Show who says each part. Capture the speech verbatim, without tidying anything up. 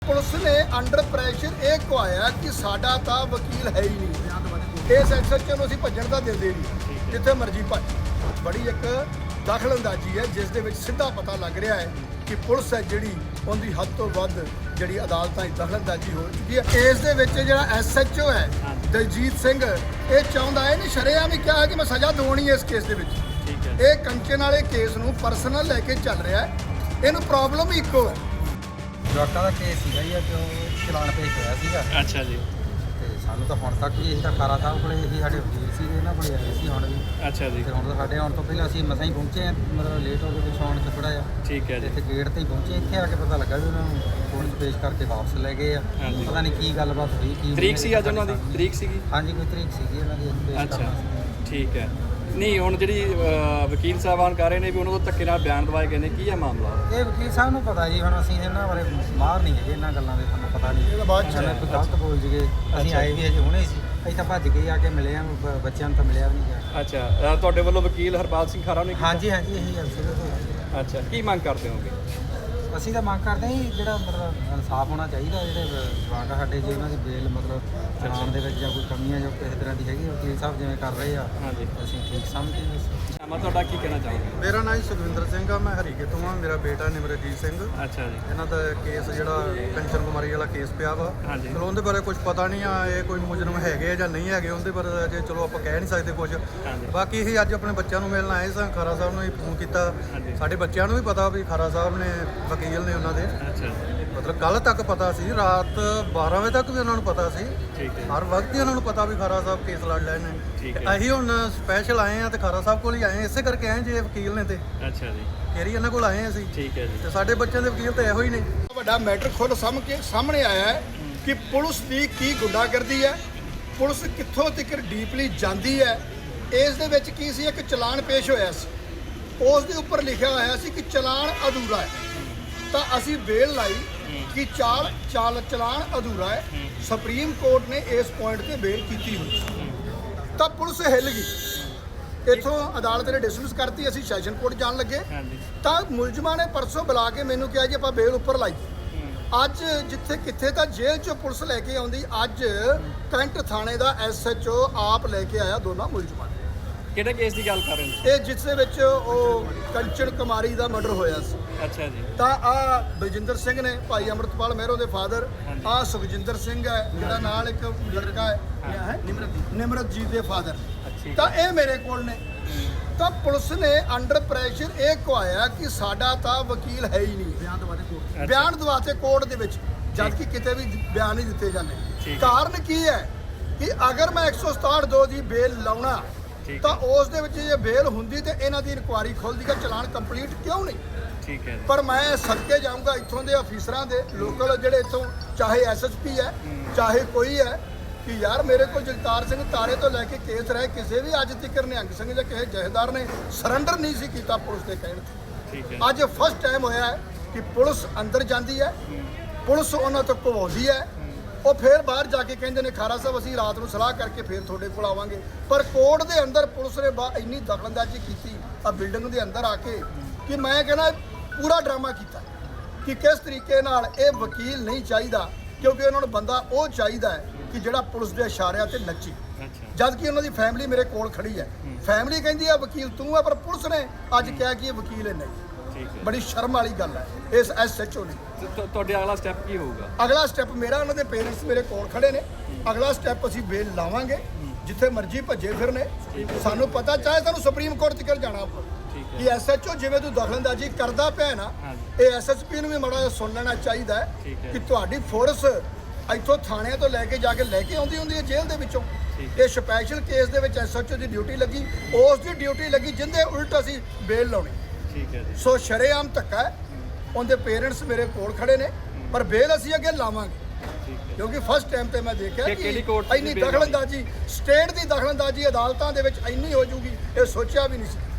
Speaker 1: Police ਨੇ under pressure ਇਹ ਕਹਾਇਆ ਕਿ ਸਾਡਾ ਤਾਂ ਵਕੀਲ ਹੈ ਹੀ ਨਹੀਂ। ਇਸ ਐਕਸੈਪਸ਼ਨ ਨੂੰ ਅਸੀਂ ਭੱਜਣ ਦਾ ਦਿੰਦੇ ਨਹੀਂ, ਜਿੱਥੇ ਮਰਜ਼ੀ ਭੱਜ। ਬੜੀ ਇੱਕ ਦਖਲਅੰਦਾਜ਼ੀ ਹੈ ਜਿਸ ਦੇ ਵਿੱਚ ਸਿੱਧਾ ਪਤਾ ਲੱਗ ਰਿਹਾ ਹੈ ਕਿ ਪੁਲਿਸ ਹੈ ਜਿਹੜੀ ਉਹਦੀ ਹੱਦ ਤੋਂ ਵੱਧ ਜਿਹੜੀ ਅਦਾਲਤਾਂ 'ਚ ਦਖਲਅੰਦਾਜ਼ੀ ਹੋ ਚੁੱਕੀ ਹੈ। ਇਸ ਦੇ ਵਿੱਚ ਜਿਹੜਾ ਐਸ ਐਚ ਓ ਹੈ ਦਲਜੀਤ ਸਿੰਘ, ਇਹ ਚਾਹੁੰਦਾ ਹੈ ਨਹੀਂ ਸ਼ਰੇਆਮ ਹੀ ਕਿਹਾ ਕਿ ਮੈਂ ਸਜ਼ਾ ਦਿਵਾਉਣੀ ਹੈ ਇਸ ਕੇਸ ਦੇ ਵਿੱਚ। ਇਹ ਕੰਚਨ ਵਾਲੇ ਕੇਸ ਨੂੰ ਪਰਸਨਲ ਲੈ ਕੇ ਚੱਲ ਰਿਹਾ ਹੈ। ਇਹਨੂੰ ਪ੍ਰੋਬਲਮ ਇੱਕੋ ਹੈ।
Speaker 2: ਜਵਾਕਾਂ ਦਾ ਕੇਸ ਸੀਗਾ ਜੀ, ਅੱਜ ਉਹ ਚਲਾਨ ਪੇਸ਼ ਹੋਇਆ ਸੀਗਾ।
Speaker 3: ਅੱਛਾ ਜੀ।
Speaker 2: ਤੇ ਸਾਨੂੰ ਤਾਂ ਹੁਣ ਤੱਕ ਵੀ ਅਸੀਂ ਤਾਂ ਖਾਰਾ ਸਾਹਿਬ ਕੋਲੇ ਹੀ ਸਾਡੇ ਵਕੀਲ ਸੀ, ਇਹਨਾਂ ਕੋਲੇ ਆਏ ਸੀ ਹੁਣ ਵੀ।
Speaker 3: ਅੱਛਾ ਜੀ।
Speaker 2: ਤੇ ਹੁਣ ਤਾਂ ਸਾਡੇ ਆਉਣ ਤੋਂ ਪਹਿਲਾਂ ਅਸੀਂ ਮਸਾਂ ਹੀ ਪਹੁੰਚੇ ਹਾਂ, ਮਤਲਬ ਲੇਟ ਹੋ ਗਏ ਪਿੱਛੋਂ ਆਉਣ 'ਚ ਥੋੜ੍ਹਾ ਜਿਹਾ।
Speaker 3: ਠੀਕ ਹੈ ਜੀ।
Speaker 2: ਇੱਥੇ ਗੇਟ ਤੇ ਹੀ ਪਹੁੰਚੇ, ਇੱਥੇ ਆ ਕੇ ਪਤਾ ਲੱਗਾ ਵੀ ਉਹਨਾਂ ਨੂੰ ਕੋਰਟ 'ਚ ਪੇਸ਼ ਕਰਕੇ ਵਾਪਸ ਲੈ ਗਏ ਆ।
Speaker 3: ਹਾਂਜੀ।
Speaker 2: ਪਤਾ ਨਹੀਂ ਕੀ ਗੱਲਬਾਤ ਹੋਈ, ਕੀ
Speaker 3: ਤਰੀਕ ਸੀ ਅੱਜ ਉਹਨਾਂ ਦੀ? ਤਰੀਕ ਸੀਗੀ?
Speaker 2: ਹਾਂਜੀ, ਕੋਈ ਤਰੀਕ ਸੀਗੀ ਉਹਨਾਂ ਦੀ ਪੇਸ਼
Speaker 3: ਅੱਛਾ
Speaker 2: ਕਰਨਾ ਸੀ।
Speaker 3: ਠੀਕ ਹੈ। ਨਹੀਂ ਹੁਣ ਜਿਹੜੀ ਅਹ, ਵਕੀਲ ਸਾਹਿਬਾਨ ਕਰ ਰਹੇ ਨੇ ਵੀ ਉਹਨਾਂ ਤੋਂ ਧੱਕੇ ਨਾਲ ਬਿਆਨ ਦਵਾਏ ਗਏ ਨੇ, ਕੀ ਹੈ ਮਾਮਲਾ?
Speaker 2: ਇਹ ਵਕੀਲ ਸਾਹਿਬ ਨੂੰ ਪਤਾ ਜੀ, ਹੁਣ ਅਸੀਂ ਇਹਨਾਂ ਬਾਰੇ ਮਾਹਰ ਨਹੀਂ ਹੈਗੇ ਇਹਨਾਂ ਗੱਲਾਂ ਦੇ, ਸਾਨੂੰ ਪਤਾ ਨਹੀਂ।
Speaker 1: ਇਹਦਾ ਬਾਅਦ 'ਚ
Speaker 2: ਸਾਨੂੰ ਕੋਈ ਗਲਤ ਬੋਲ ਜੀਏ। ਅਸੀਂ ਆਏ ਵੀ ਅਜੇ ਹੁਣੇ ਸੀ, ਅਸੀਂ ਤਾਂ ਭੱਜ ਕੇ ਆ ਕੇ ਮਿਲੇ ਆ, ਬ- ਬੱਚਿਆਂ ਨੂੰ ਤਾਂ ਮਿਲਿਆ ਵੀ ਨਹੀਂ ਗਿਆ।
Speaker 3: ਅੱਛਾ, ਅਹ, ਤੁਹਾਡੇ ਵੱਲੋਂ ਵਕੀਲ ਹਰਪਾਲ ਸਿੰਘ ਖਾਰਾ ਨੇ ਕੀਤਾ?
Speaker 2: ਹਾਂਜੀ ਹਾਂਜੀ, ਇਹੀ ਅਫਸਰ ਤੋਂ
Speaker 3: ਅੱਛਾ, ਕੀ ਮੰਗ ਕਰਦੇ ਹੋਗੇ?
Speaker 2: ਅਸੀਂ ਤਾਂ ਮੰਗ ਕਰਦੇ ਹਾਂ ਜੀ, ਜਿਹੜਾ ਮਤਲਬ ਇਨਸਾਫ ਹੋਣਾ ਚਾਹੀਦਾ। ਜਿਹੜੇ ਜਵਾਕ ਆ ਸਾਡੇ, ਜੇ ਉਹਨਾਂ ਦੀ ਬੇਲ ਮਤਲਬ ਚਲਾਉਣ ਦੇ ਵਿੱਚ ਜਾਂ ਕੋਈ ਕਮੀਆਂ ਜੋ ਕਿਸੇ ਤਰ੍ਹਾਂ ਦੀ ਹੈਗੀ, ਵਕੀਲ ਸਾਹਿਬ ਜਿਵੇਂ ਕਰ ਰਹੇ ਆ,
Speaker 3: ਹਾਂਜੀ।
Speaker 2: ਅਸੀਂ ਠੀਕ ਸਮਝਦੇ ਹਾਂ।
Speaker 3: ਮੈਂ ਤੁਹਾਡਾ ਕੀ ਕਹਿਣਾ ਚਾਹੋਗੇ?
Speaker 4: ਮੇਰਾ ਨਾਮ ਸੁਖਵਿੰਦਰ ਸਿੰਘ ਆ, ਮੈਂ ਹਰੀਕੇ ਤੋਂ ਆ। ਮੇਰਾ ਬੇਟਾ ਨਿਮਰਜੀਤ ਸਿੰਘ,
Speaker 3: ਅੱਛਾ ਜੀ।
Speaker 4: ਇਹਨਾਂ ਦਾ ਕੇਸ ਜਿਹੜਾ ਕੰਚਨ ਕੁਮਾਰੀ ਵਾਲਾ ਕੇਸ ਪਿਆ ਵਾ।
Speaker 3: ਹਾਂਜੀ।
Speaker 4: ਚਲੋ ਉਹਦੇ ਬਾਰੇ ਕੁਝ ਪਤਾ ਨਹੀਂ ਆ, ਇਹ ਕੋਈ ਮੁਜਰਮ ਹੈਗੇ ਜਾਂ ਨਹੀਂ ਹੈਗੇ, ਉਹਦੇ ਬਾਰੇ ਅਜੇ ਚਲੋ ਆਪਾਂ ਕਹਿ ਨਹੀਂ ਸਕਦੇ ਕੁਝ।
Speaker 3: ਹਾਂਜੀ।
Speaker 4: ਬਾਕੀ ਇਹ ਅੱਜ ਆਪਣੇ ਬੱਚਿਆਂ ਨੂੰ ਮਿਲਣ ਆਏ ਸਾਂ, ਖਾਰਾ ਸਾਹਿਬ ਨੂੰ ਹੀ ਫੋਨ ਕੀਤਾ।
Speaker 3: ਹਾਂਜੀ।
Speaker 4: ਸਾਡੇ ਬੱਚਿਆਂ ਨੂੰ ਵੀ ਪਤਾ ਵੀ ਖਾਰਾ ਸਾਹਿਬ ਨੇ ਵਕੀਲ ਨੇ ਉਹਨਾਂ ਦੇ,
Speaker 3: ਅੱਛਾ ਜੀ।
Speaker 4: ਮਤਲਬ ਕੱਲ ਤੱਕ ਪਤਾ ਸੀ, ਰਾਤ ਬਾਰਾਂ ਵਜੇ ਤੱਕ ਵੀ ਉਹਨਾਂ ਨੂੰ ਪਤਾ ਸੀ।
Speaker 3: ਠੀਕ ਹੈ।
Speaker 4: ਹਰ ਵਕਤ ਹੀ ਉਹਨਾਂ ਨੂੰ ਪਤਾ ਵੀ ਖਾਰਾ ਸਾਹਿਬ ਕੇਸ ਲੜ ਲੈਣ ਨੇ।
Speaker 3: ਠੀਕ
Speaker 4: ਤੇ
Speaker 3: ਹੈ।
Speaker 4: ਅਸੀਂ ਹੁਣ ਸਪੈਸ਼ਲ ਆਏ ਆ ਤੇ ਖਾਰਾ ਸਾਹਿਬ ਕੋਲ ਹੀ ਆਏ, ਇਸੇ ਕਰਕੇ ਆਏ ਜੇ ਵਕੀਲ ਨੇ ਤੇ
Speaker 3: ਅੱਛਾ ਜੀ।
Speaker 4: ਫੇਰ ਹੀ ਇਹਨਾਂ ਕੋਲ ਆਏ ਅਸੀਂ।
Speaker 3: ਠੀਕ ਹੈ ਜੀ।
Speaker 4: ਤੇ ਸਾਡੇ ਬੱਚਿਆਂ ਦੇ ਵਕੀਲ ਤਾਂ ਇਹੋ ਹੀ ਨੇ।
Speaker 1: ਵੱਡਾ ਮੈਟਰ ਖੁੱਲ੍ਹ ਸਾਹਮ ਕੇ ਸਾਹਮਣੇ ਆਇਆ ਹੈ ਕਿ ਪੁਲਿਸ ਦੀ ਕੀ ਗੁੰਡਾਗਰਦੀ ਹੈ, ਪੁਲਿਸ ਕਿੱਥੋਂ ਤੱਕ ਡੀਪਲੀ ਜਾਂਦੀ ਹੈ। ਇਸ ਦੇ ਵਿੱਚ ਕੀ ਸੀ, ਇੱਕ ਚਲਾਨ ਪੇਸ਼ ਹੋਇਆ ਸੀ, ਉਸ ਦੇ ਉੱਪਰ ਲਿਖਿਆ ਹੋਇਆ ਸੀ ਕਿ ਚਲਾਨ ਅਧੂਰਾ ਹੈ। ਤਾਂ ਅਸੀਂ ਬੇਲ ਲਾਈ ਕਿ ਚਾਲ ਚਾਲ ਚਲਾਨ ਅਧੂਰਾ ਹੈ। ਸੁਪਰੀਮ ਕੋਰਟ ਨੇ ਇਸ ਪੁਆਇੰਟ ਤੇ ਬੇਲ ਕੀਤੀ ਹੋਈ ਸੀ। ਤਾਂ ਪੁਲਿਸ ਹਿੱਲ ਗਈ, ਇੱਥੋਂ ਅਦਾਲਤ ਨੇ ਡਿਸਮਿਸ ਕਰਤੀ। ਅਸੀਂ ਸੈਸ਼ਨ ਕੋਰਟ ਜਾਣ ਲੱਗੇ
Speaker 3: ਹਾਂਜੀ।
Speaker 1: ਤਾਂ ਮੁਲਜ਼ਮਾਂ ਨੇ ਪਰਸੋਂ ਬੁਲਾ ਕੇ ਮੈਨੂੰ ਕਿਹਾ ਜੀ ਆਪਾਂ ਬੇਲ ਉੱਪਰ ਲਾਈ। ਅੱਜ ਜਿੱਥੇ ਕਿੱਥੇ ਤਾਂ ਜੇਲ੍ਹ 'ਚੋਂ ਪੁਲਿਸ ਲੈ ਕੇ ਆਉਂਦੀ, ਅੱਜ ਕੈਂਟ ਥਾਣੇ ਦਾ ਐਸ ਐਚ ਓ ਆਪ ਲੈ ਕੇ ਆਇਆ ਦੋਨਾਂ ਮੁਲਜ਼ਮਾਂ ਨੂੰ।
Speaker 3: ਕਿਹੜੇ ਕੇਸ ਦੀ ਗੱਲ ਕਰ ਰਹੇ ਨੇ?
Speaker 1: ਇਹ ਜਿਸ ਦੇ ਵਿੱਚ ਉਹ ਕੰਚਨ ਕੁਮਾਰੀ ਦਾ ਮਰਡਰ ਹੋਇਆ ਸੀ।
Speaker 3: ਅੱਛਾ ਜੀ।
Speaker 1: ਤਾਂ ਆ ਬਲਜਿੰਦਰ ਸਿੰਘ ਨੇ, ਭਾਈ ਅੰਮ੍ਰਿਤਪਾਲ ਮਹਿਰੋ ਦੇ ਫਾਦਰ। ਆ ਸੁਖਜਿੰਦਰ ਸਿੰਘ ਹੈ ਜਿਹੜਾ ਨਾਲ ਇੱਕ ਲੜਕਾ ਹੈ, ਹੈ ਨਿਮਰਤ ਨਿਮਰਤਜੀਤ ਦੇ ਫਾਦਰ।
Speaker 3: ਅੱਛਾ।
Speaker 1: ਤਾਂ ਇਹ ਮੇਰੇ ਕੋਲ ਨੇ। ਤਾਂ ਪੁਲਿਸ ਨੇ ਅੰਡਰ ਪ੍ਰੈਸ਼ਰ ਇਹ ਕਹਾਇਆ ਕਿ ਸਾਡਾ ਤਾਂ ਵਕੀਲ ਹੈ ਹੀ ਨਹੀਂ। ਬਿਆਨ ਦਵਾਤੇ ਕੋਰਟ ਬਿਆਨ ਦਵਾਤੇ ਕੋਰਟ ਦੇ ਵਿੱਚ, ਜਦ ਕਿ ਕਿਤੇ ਵੀ ਬਿਆਨ ਨਹੀਂ ਦਿੱਤੇ ਜਾਂਦੇ। ਕਾਰਨ ਕੀ ਹੈ ਕਿ ਅਗਰ ਮੈਂ ਇੱਕ ਸੌ ਸਤਾਹਠ ਦੋ ਦੀ ਬੇਲ ਲਾਉਣਾ ਤਾਂ ਉਸ ਦੇ ਵਿੱਚ ਜੇ ਬੇਲ ਹੁੰਦੀ ਤੇ ਇਹਨਾਂ ਦੀ ਇਨਕੁਆਇਰੀ ਖੁੱਲਦੀ ਕਿ ਚਲਾਨ ਕੰਪਲੀਟ ਕਿਉਂ ਨਹੀਂ।
Speaker 3: ਠੀਕ ਹੈ।
Speaker 1: ਪਰ ਮੈਂ ਸਦਕੇ ਜਾਊਂਗਾ ਇੱਥੋਂ ਦੇ ਅਫੀਸਰਾਂ ਦੇ, ਲੋਕਲ ਜਿਹੜੇ ਇੱਥੋਂ ਚਾਹੇ ਐਸ ਐਸ ਪੀ ਹੈ ਚਾਹੇ ਕੋਈ ਹੈ, ਕਿ ਯਾਰ ਮੇਰੇ ਕੋਲ ਜਗਤਾਰ ਸਿੰਘ ਤਾਰੇ ਤੋਂ ਲੈ ਕੇ ਕੇਸ ਰਹੇ, ਕਿਸੇ ਵੀ ਅੱਜ ਤੱਕ ਨਿਹੰਗ ਸਿੰਘ ਜਾਂ ਕਿਸੇ ਜਥੇਦਾਰ ਨੇ ਸਰੈਂਡਰ ਨਹੀਂ ਸੀ ਕੀਤਾ ਪੁਲਿਸ ਦੇ ਕਹਿਣ ਤੇ।
Speaker 3: ਠੀਕ ਹੈ।
Speaker 1: ਅੱਜ ਫਸਟ ਟਾਈਮ ਹੋਇਆ ਹੈ ਕਿ ਪੁਲਿਸ ਅੰਦਰ ਜਾਂਦੀ ਹੈ, ਪੁਲਿਸ ਉਹਨਾਂ ਤੋਂ ਘਵਾਉਂਦੀ ਹੈ, ਉਹ ਫੇਰ ਬਾਹਰ ਜਾ ਕੇ ਕਹਿੰਦੇ ਨੇ ਖਾਰਾ ਸਾਹਿਬ ਅਸੀਂ ਰਾਤ ਨੂੰ ਸਲਾਹ ਕਰਕੇ ਫੇਰ ਤੁਹਾਡੇ ਕੋਲ ਆਵਾਂਗੇ। ਪਰ ਕੋਰਟ ਦੇ ਅੰਦਰ ਪੁਲਿਸ ਨੇ ਬਾ ਇੰਨੀ ਦਖਲਅੰਦਾਜ਼ੀ ਕੀਤੀ ਆ ਬਿਲਡਿੰਗ ਦੇ ਅੰਦਰ ਆ ਕੇ ਕਿ ਮੈਂ ਕਹਿੰਦਾ ਪੂਰਾ ਡਰਾਮਾ ਕੀਤਾ ਕਿ ਕਿਸ ਤਰੀਕੇ ਨਾਲ ਇਹ ਵਕੀਲ ਨਹੀਂ ਚਾਹੀਦਾ, ਕਿਉਂਕਿ ਉਹਨਾਂ ਨੂੰ ਬੰਦਾ ਉਹ ਚਾਹੀਦਾ ਹੈ ਕਿ ਜਿਹੜਾ ਪੁਲਿਸ ਦੇ ਇਸ਼ਾਰਿਆਂ ਤੇ ਨੱਚੇ।
Speaker 3: ਅੱਛਾ।
Speaker 1: ਜਦ ਕਿ ਉਹਨਾਂ ਦੀ ਫੈਮਿਲੀ ਮੇਰੇ ਕੋਲ ਖੜੀ ਹੈ, ਫੈਮਿਲੀ ਕਹਿੰਦੀ ਆ ਵਕੀਲ ਤੂੰ ਆ, ਪਰ ਪੁਲਿਸ ਨੇ ਅੱਜ ਕਿਹਾ ਕਿ ਇਹ ਵਕੀਲ ਹੈ ਨਹੀਂ।
Speaker 3: ਠੀਕ ਹੈ।
Speaker 1: ਬੜੀ ਸ਼ਰਮ ਵਾਲੀ ਗੱਲ ਹੈ ਇਸ ਐਸ ਐਚ ਓ ਨੇ।
Speaker 3: ਤੇ ਤੁ- ਤੁਹਾਡੇ ਅਗਲਾ ਸਟੈਪ ਕੀ ਹੋਊਗਾ?
Speaker 1: ਅਗਲਾ ਸਟੈਪ ਮੇਰਾ, ਉਹਨਾਂ ਦੇ ਪੇਰੈਂਟਸ ਮੇਰੇ ਕੋਲ ਖੜੇ ਨੇ, ਅਗਲਾ ਸਟੈਪ ਅਸੀਂ ਬੇਲ ਲਾਵਾਂਗੇ, ਜਿੱਥੇ ਮਰਜ਼ੀ ਭੱਜੇ ਫਿਰਨੇ। ਸਾਨੂੰ ਪਤਾ ਚਾਹੇ ਸਾਨੂੰ ਸੁਪਰੀਮ ਕੋਰਟ ਤੱਕ ਜਾਣਾ ਪਵੇ
Speaker 3: ਠੀਕ
Speaker 1: ਕਿ ਐਸ ਐਚ ਓ ਜਿਵੇਂ ਤੂੰ ਦਖਲਅੰਦਾਜ਼ੀ ਕਰਦਾ ਪਿਆ ਨਾ,
Speaker 3: ਹਾਂਜੀ।
Speaker 1: ਇਹ ਐਸ ਐਸ ਪੀ ਨੂੰ ਵੀ ਮਾੜਾ ਜਿਹਾ ਸੁਣ ਲੈਣਾ ਚਾਹੀਦਾ ਹੈ
Speaker 3: ਠੀਕ ਹੈ।
Speaker 1: ਕਿ ਤੁਹਾਡੀ ਫੋਰਸ ਇੱਥੋਂ ਥਾਣਿਆਂ ਤੋਂ ਲੈ ਕੇ ਜਾ ਕੇ ਲੈ ਕੇ ਆਉਂਦੀ ਹੁੰਦੀ ਹੈ ਜੇਲ੍ਹ ਦੇ ਵਿੱਚੋਂ। ਇਹ ਸਪੈਸ਼ਲ ਕੇਸ ਦੇ ਵਿੱਚ ਐਸ ਐਚ ਓ ਦੀ ਡਿਊਟੀ ਲੱਗੀ, ਉਸ ਦੀ ਡਿਊਟੀ ਲੱਗੀ ਜਿੰਦੇ ਉਲਟ ਅਸੀਂ ਬੇਲ ਲਾਉਣੀ।
Speaker 3: ਠੀਕ ਹੈ ਜੀ।
Speaker 1: ਸੋ ਸ਼ਰੇਆਮ ਧੱਕਾ ਹੈ। ਉਹਦੇ ਪੇਰੈਂਟਸ ਮੇਰੇ ਕੋਲ ਖੜੇ ਨੇ, ਪਰ ਬੇਲ ਅਸੀਂ ਅੱਗੇ ਲਾਵਾਂਗੇ
Speaker 3: ਠੀਕ ਹੈ।
Speaker 1: ਕਿਉਂਕਿ ਫਸਟ ਟਾਈਮ ਤੇ ਮੈਂ ਦੇਖਿਆ
Speaker 3: ਕਿ ਕਿਹੜੀ ਕੋਰਟ
Speaker 1: ਕਿ
Speaker 3: ਦੀ
Speaker 1: ਇੰਨੀ
Speaker 3: ਬੇਲ
Speaker 1: ਦਖਲਅੰਦਾਜ਼ੀ, ਸਟੇਟ ਦੀ ਦਖਲਅੰਦਾਜ਼ੀ ਅਦਾਲਤਾਂ ਦੇ ਵਿੱਚ ਇੰਨੀ ਹੋ ਜੂਗੀ, ਇਹ ਸੋਚਿਆ ਵੀ ਨਹੀਂ ਸੀ।